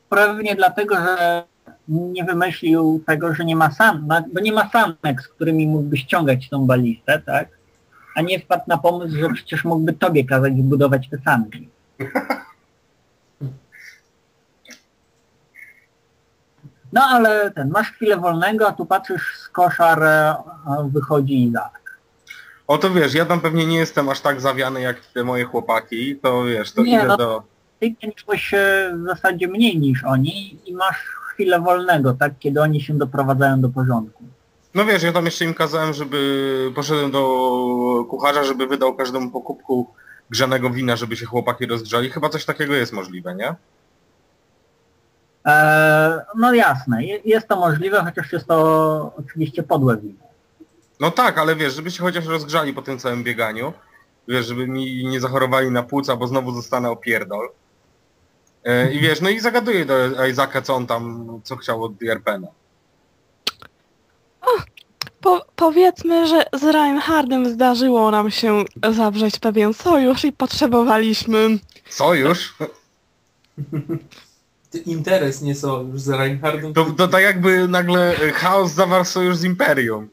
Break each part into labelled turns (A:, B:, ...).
A: pewnie dlatego, że nie wymyślił tego, że nie ma bo nie ma sanek, z którymi mógłby ściągać tą balistę, tak? A nie wpadł na pomysł, że przecież mógłby tobie kazać zbudować te sanki. No ale masz chwilę wolnego, a tu patrzysz z koszar, wychodzi Izak.
B: O to wiesz, ja tam pewnie nie jestem aż tak zawiany jak te moje chłopaki, to wiesz, to
A: nie,
B: idę do...
A: Ty miałeś w zasadzie mniej niż oni i masz chwilę wolnego, tak? Kiedy oni się doprowadzają do porządku.
B: No wiesz, ja tam jeszcze im kazałem, żeby poszedłem do kucharza, żeby wydał każdemu po kubku grzanego wina, żeby się chłopaki rozgrzali. Chyba coś takiego jest możliwe, nie?
A: No jasne, jest to możliwe, chociaż jest to oczywiście podłe wino.
B: No tak, ale wiesz, żeby się chociaż rozgrzali po tym całym bieganiu. Wiesz, żeby mi nie zachorowali na płuca, bo znowu zostanę opierdol. I wiesz, no i zagaduję do Izaka, co on tam, co chciał od Jerpena.
C: Powiedzmy, że z Reinhardem zdarzyło nam się zawrzeć pewien sojusz i potrzebowaliśmy...
B: Sojusz?
D: Interes, nie sojusz z Reinhardem.
B: To tak jakby nagle Chaos zawarł sojusz z Imperium.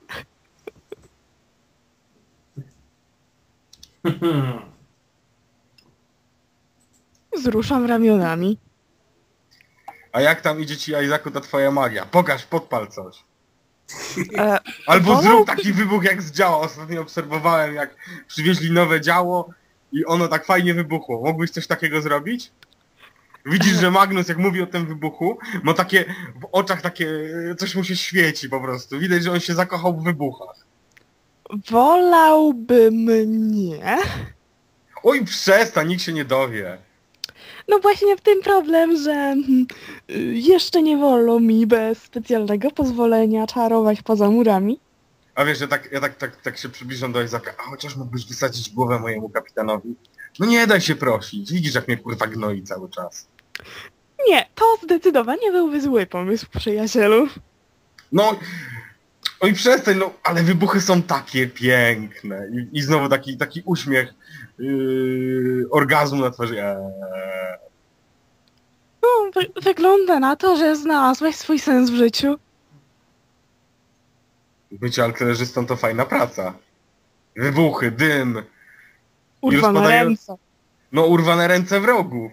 C: Wzruszam ramionami.
B: A jak tam idzie ci, Izaku, ta twoja magia? Pokaż, podpal coś. Albo zrób taki wybuch jak z działa. Ostatnio obserwowałem, jak przywieźli nowe działo i ono tak fajnie wybuchło. Mógłbyś coś takiego zrobić? Widzisz, że Magnus, jak mówi o tym wybuchu, ma takie w oczach takie, coś mu się świeci po prostu. Widać, że on się zakochał w wybuchach.
C: Wolałbym nie.
B: Oj, przestań, nikt się nie dowie.
C: No właśnie w tym problem, że jeszcze nie wolno mi bez specjalnego pozwolenia czarować poza murami.
B: A wiesz, że tak się przybliżam do Izaka, a chociaż mógłbyś wysadzić głowę mojemu kapitanowi? No nie daj się prosić, widzisz, jak mnie kurwa gnoi cały czas.
C: Nie, to zdecydowanie byłby zły pomysł, przyjacielu.
B: No, oj przestań, no, ale wybuchy są takie piękne. I znowu taki uśmiech, orgazmu na twarzy.
C: No, wygląda na to, że znalazłeś swój sens w życiu.
B: Bycie artylerzystą to fajna praca. Wybuchy, dym.
C: Urwane ręce.
B: No, urwane ręce wrogów.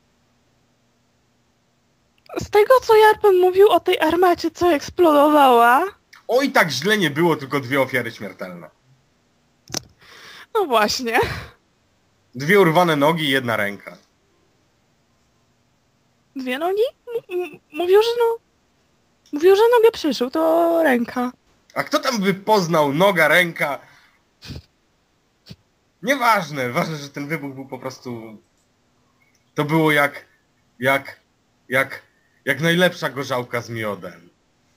C: Z tego, co Jarpen mówił o tej armacie, co eksplodowała...
B: Oj, tak źle nie było, tylko 2 ofiary śmiertelne.
C: No właśnie.
B: 2 urwane nogi i 1 ręka.
C: 2 nogi? Mówił, że no... Mówił, że nogę przyszył, to ręka.
B: A kto tam by poznał noga, ręka? Nieważne, ważne, że ten wybuch był po prostu... To było jak najlepsza gorzałka z miodem.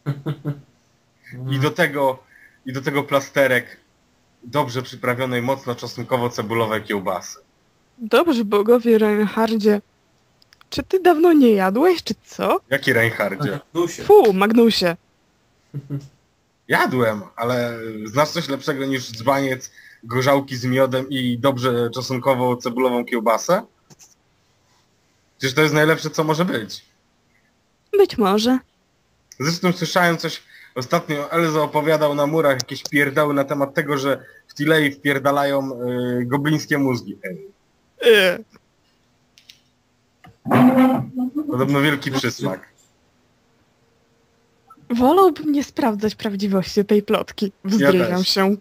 B: I do tego plasterek dobrze przyprawionej, mocno czosnkowo-cebulowej kiełbasy.
C: Dobrze, bogowie Reinhardzie. Czy ty dawno nie jadłeś, czy co?
B: Jaki Reinhardzie?
C: Fu, Magnusie.
B: Jadłem, ale znasz coś lepszego niż dzbaniec gorzałki z miodem i dobrze czosnkowo-cebulową kiełbasę? Przecież to jest najlepsze, co może być.
C: Być może.
B: Zresztą słyszałem coś, ostatnio Elzo opowiadał na murach jakieś pierdały na temat tego, że w Tilei wpierdalają goblińskie mózgi. Podobno wielki przysmak.
C: Wolałbym nie sprawdzać prawdziwości tej plotki. Wzdrywiam się.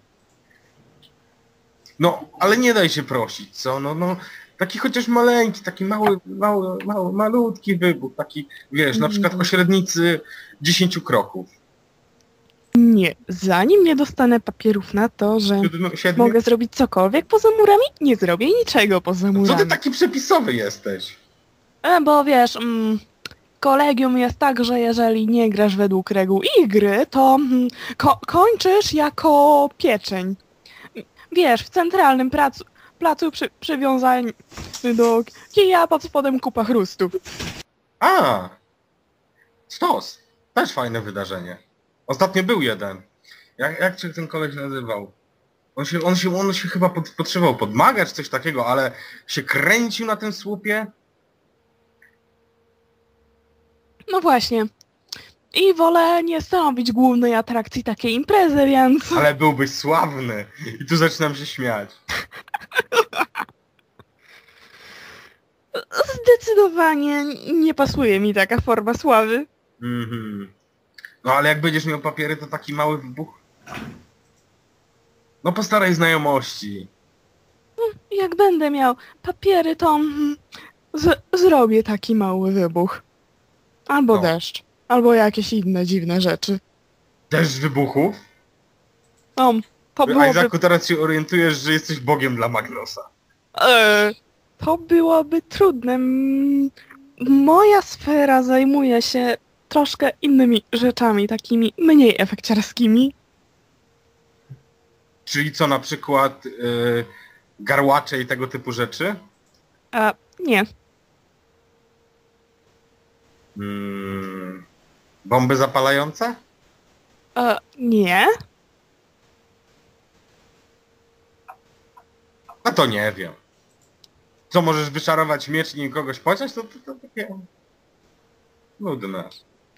B: No, ale nie daj się prosić, co? No, taki chociaż maleńki, taki malutki wybuch, taki, wiesz, na przykład o średnicy 10 kroków.
C: Nie, zanim nie dostanę papierów na to, że
B: 7?
C: mogę zrobić cokolwiek poza murami, nie zrobię niczego poza murami.
B: Co ty taki przepisowy jesteś?
C: Bo wiesz, kolegium jest tak, że jeżeli nie grasz według reguł ich gry, to kończysz jako pieczeń. Wiesz, w centralnym placu przywiązany do kija, pod spodem kupa chrustów.
B: A, Stos. Też fajne wydarzenie. Ostatnio był jeden. Jak się ten koleś nazywał? On się chyba podszywał pod maga czy coś takiego, ale się kręcił na tym słupie.
C: No właśnie. I wolę nie stanowić głównej atrakcji takiej imprezy, więc...
B: Ale byłbyś sławny. I tu zaczynam się śmiać.
C: Zdecydowanie nie pasuje mi taka forma sławy.
B: Mhm. No ale jak będziesz miał papiery, to taki mały wybuch. No po starej znajomości.
C: Jak będę miał papiery, to zrobię taki mały wybuch. Albo
B: No.
C: deszcz. Albo jakieś inne dziwne rzeczy.
B: Deszcz wybuchów?
C: No, to byłoby...
B: Isaacu, teraz się orientujesz, że jesteś bogiem dla Magnosa.
C: To byłoby trudne. Moja sfera zajmuje się troszkę innymi rzeczami, takimi mniej efekciarskimi.
B: Czyli co, na przykład garłacze i tego typu rzeczy?
C: Nie.
B: Bomby zapalające?
C: Nie.
B: A to nie wiem. Co, możesz wyszarować miecz i nim kogoś pociąć? To takie... nudne.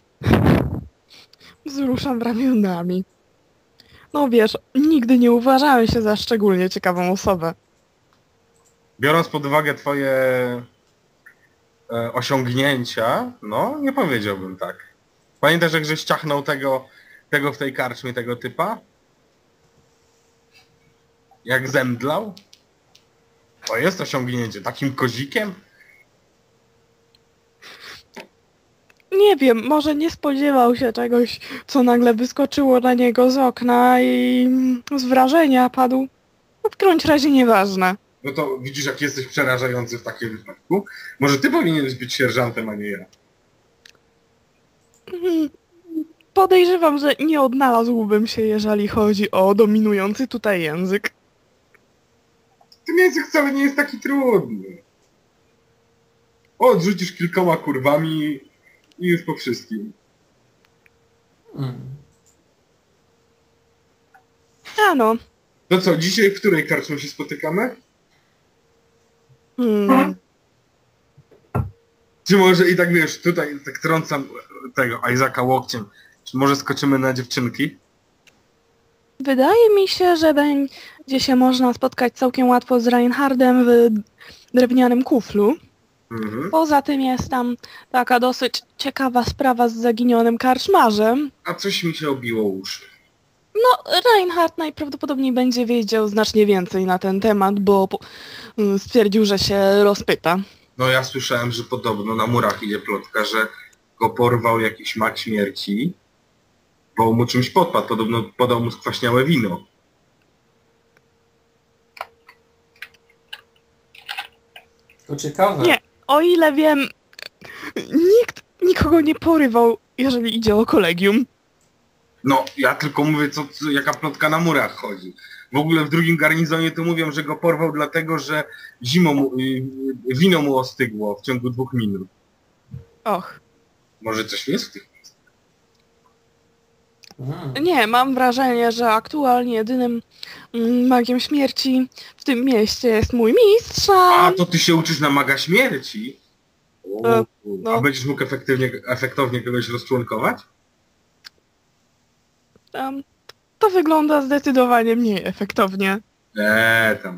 C: Wzruszam ramionami. No wiesz, nigdy nie uważałem się za szczególnie ciekawą osobę.
B: Biorąc pod uwagę twoje osiągnięcia, no nie powiedziałbym tak. Pamiętasz, jak żeś ciachnął tego w tej karczmie, tego typa? Jak zemdlał? To jest osiągnięcie. Takim kozikiem?
C: Nie wiem, może nie spodziewał się czegoś, co nagle wyskoczyło na niego z okna i z wrażenia padł. No w którymś razie nieważne.
B: No to widzisz, jak jesteś przerażający w takim wypadku. Może ty powinieneś być sierżantem, a nie ja.
C: Podejrzewam, że nie odnalazłbym się, jeżeli chodzi o dominujący tutaj język.
B: Ten język wcale nie jest taki trudny. Odrzucisz kilkoma kurwami i już po wszystkim.
C: No.
B: To co, dzisiaj w której karczmie się spotykamy? Czy może i tak wiesz, tutaj tak trącam tego Isaaca łokciem. Czy może skoczymy na dziewczynki?
C: Wydaje mi się, że będzie się można spotkać całkiem łatwo z Reinhardem w drewnianym kuflu.
B: Mhm.
C: Poza tym jest tam taka dosyć ciekawa sprawa z zaginionym karczmarzem.
B: A coś mi się obiło uszy.
C: No, Reinhard najprawdopodobniej będzie wiedział znacznie więcej na ten temat, bo stwierdził, że się rozpyta.
B: No ja słyszałem, że podobno na murach idzie plotka, że go porwał jakiś mag śmierci, bo mu czymś podpadł. Podobno podał mu skwaśniałe wino.
D: To ciekawe.
C: Nie, o ile wiem, nikt nikogo nie porywał, jeżeli idzie o kolegium.
B: No, ja tylko mówię, jaka plotka na murach chodzi. W ogóle w drugim garnizonie to mówią, że go porwał dlatego, że wino mu ostygło w ciągu 2 minut.
C: Och.
B: Może coś jest w tych?
C: Nie, mam wrażenie, że aktualnie jedynym magiem śmierci w tym mieście jest mój mistrz.
B: A, to ty się uczysz na maga śmierci?
C: No.
B: A będziesz mógł efektownie kogoś rozczłonkować?
C: To wygląda zdecydowanie mniej efektownie.
B: Tam.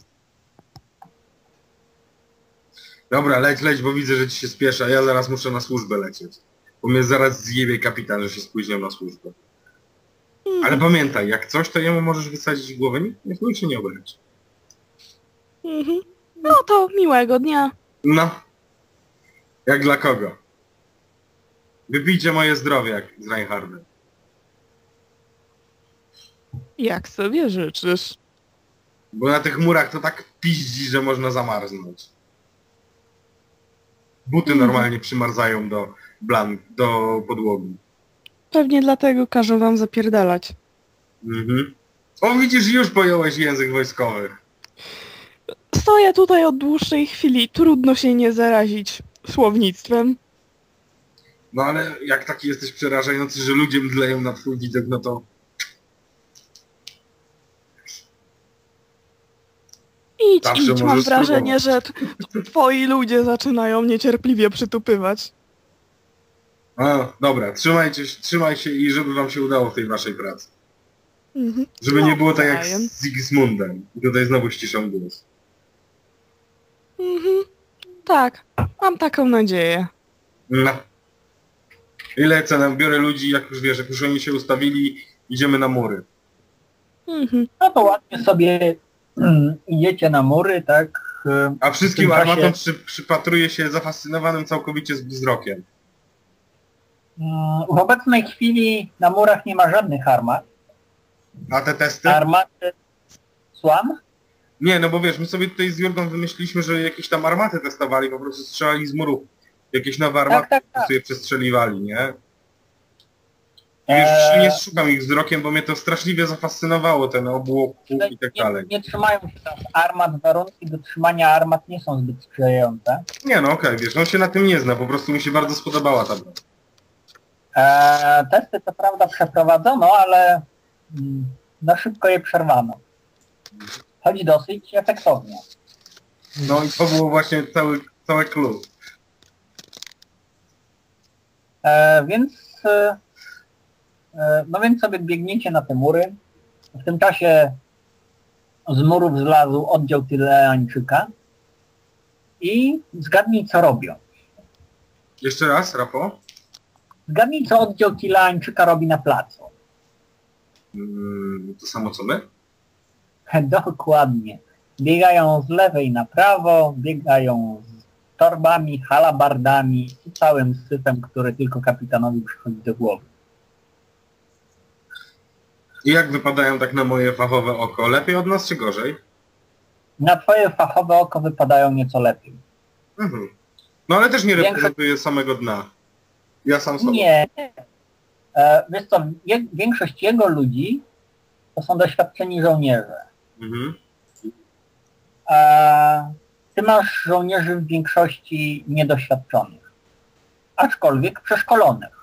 B: Dobra, leć, bo widzę, że ci się spieszy, a ja zaraz muszę na służbę lecieć. Bo mnie zaraz zjebie kapitan, że się spóźniam na służbę. Ale pamiętaj, jak coś, to jemu możesz wysadzić w głowę, niech mój się nie obręczy.
C: No to miłego dnia.
B: No. Jak dla kogo? Wypijcie moje zdrowie, jak z Reinhardem.
C: Jak sobie życzysz.
B: Bo na tych murach to tak piździ, że można zamarznąć. Buty normalnie przymarzają do podłogi.
C: Pewnie dlatego każą wam zapierdalać.
B: Mhm. O, widzisz, już pojąłeś język wojskowy.
C: Stoję tutaj od dłuższej chwili, trudno się nie zarazić słownictwem.
B: No ale jak taki jesteś przerażający, że ludzie mdleją na twój widok, no to...
C: Idź, mam wrażenie, że twoi ludzie zaczynają niecierpliwie przytupywać.
B: A, dobra, trzymaj się i żeby wam się udało w tej waszej pracy.
C: Mhm.
B: Żeby nie było tak jak
C: Nawzajem.
B: z Sigismundem. I tutaj znowu ściszam głos.
C: Mhm. Tak, mam taką nadzieję.
B: No. I lecę, biorę ludzi, jak już wiesz, jak już oni się ustawili, idziemy na mury.
C: Mhm.
A: No to ładnie sobie idziecie na mury, tak?
B: A wszystkim
A: W tym czasie-
B: armatom przypatruję się zafascynowanym całkowicie z wzrokiem.
A: W obecnej chwili na murach nie ma żadnych armat.
B: A te testy?
A: Armaty... Słucham?
B: Nie, no bo wiesz, my sobie tutaj z Jurgą wymyśliliśmy, że jakieś tam armaty testowali, po prostu strzelali z murów. Jakieś nowe armaty
A: tak.
B: sobie przestrzeliwali, nie? Wiesz, nie szukam ich wzrokiem, bo mnie to straszliwie zafascynowało, ten obłok i tak dalej.
A: Nie trzymają się tam armat, warunki do trzymania armat nie są zbyt sprzyjające.
B: Nie no, okej, wiesz, on się na tym nie zna, po prostu mi się bardzo spodobała ta broń.
A: Testy co prawda przeprowadzono, ale za szybko je przerwano. Choć dosyć efektownie.
B: No i to było właśnie cały clue.
A: No więc sobie biegniecie na te mury. W tym czasie z murów zlazł oddział Tyleańczyka i zgadnij co robią.
B: Jeszcze raz, Rapo?
A: Zgadnij co oddział Tyleańczyka robi na placu.
B: To samo co my?
A: Dokładnie. Biegają z lewej na prawo, biegają z torbami, halabardami i całym syfem, który tylko kapitanowi przychodzi do głowy.
B: I jak wypadają tak na moje fachowe oko? Lepiej od nas czy gorzej?
A: Na twoje fachowe oko wypadają nieco lepiej.
B: Mhm. No ale też nie
A: Większość-
B: reprezentuję samego dna. Ja sam sobie.
A: Nie. Wiesz co, większość jego ludzi to są doświadczeni żołnierze.
B: Mhm.
A: Ty masz żołnierzy w większości niedoświadczonych, aczkolwiek przeszkolonych.